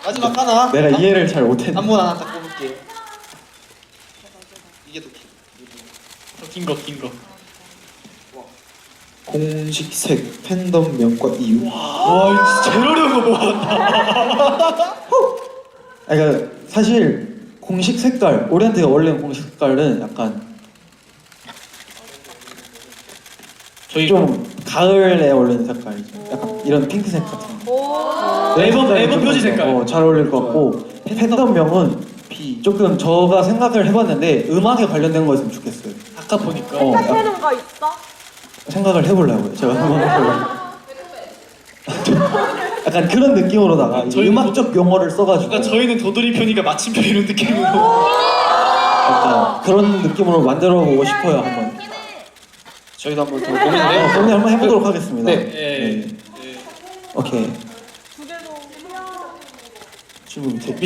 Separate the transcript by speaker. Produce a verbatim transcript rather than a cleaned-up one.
Speaker 1: 마지막 하나.
Speaker 2: 내가 이해를 잘 못했네.
Speaker 1: 한번 하나 딱 뽑을게요. 이게 더 긴.
Speaker 3: 긴 거, 긴 거.
Speaker 2: 공식색 팬덤명과 이유.
Speaker 3: 와, 진짜 제일 어려운 거 모았다.
Speaker 2: 아, 그러니까 사실 공식 색깔, 오리엔트가 원래 공식 색깔은 약간
Speaker 3: 저희
Speaker 2: 좀 가을에 어울리는 색깔이죠. 약간 이런 핑크색 같은 거.
Speaker 3: 앨범,
Speaker 2: 색깔이
Speaker 3: 앨범
Speaker 2: 좀
Speaker 3: 표지 색깔.
Speaker 2: 어, 잘 어울릴 것 같고 팬덤명은 비. 조금 저가 생각을 해봤는데 음악에 관련된 거였으면 좋겠어요.
Speaker 3: 아까 보니까
Speaker 2: 어, 약-
Speaker 4: 생각해놓은 거 있어?
Speaker 2: 생각을 해보려고요. 제가 음악을 해보려고. 약간 그런 느낌으로다가 이
Speaker 3: 저희
Speaker 2: 음악적 용어를 써가지고
Speaker 3: 그러니까 저희는 도돌이 편이가 마침표 이런 느낌으로.
Speaker 2: 약간 그런 느낌으로 만들어보고 싶어요 한번.
Speaker 1: 저희도 한번 더
Speaker 2: 어,
Speaker 1: 고민해요.
Speaker 2: 고민 한번 해보도록 하겠습니다.
Speaker 1: 네.
Speaker 3: 예. 예.
Speaker 2: 오케이.
Speaker 4: 두 개도
Speaker 2: 질문 밑에.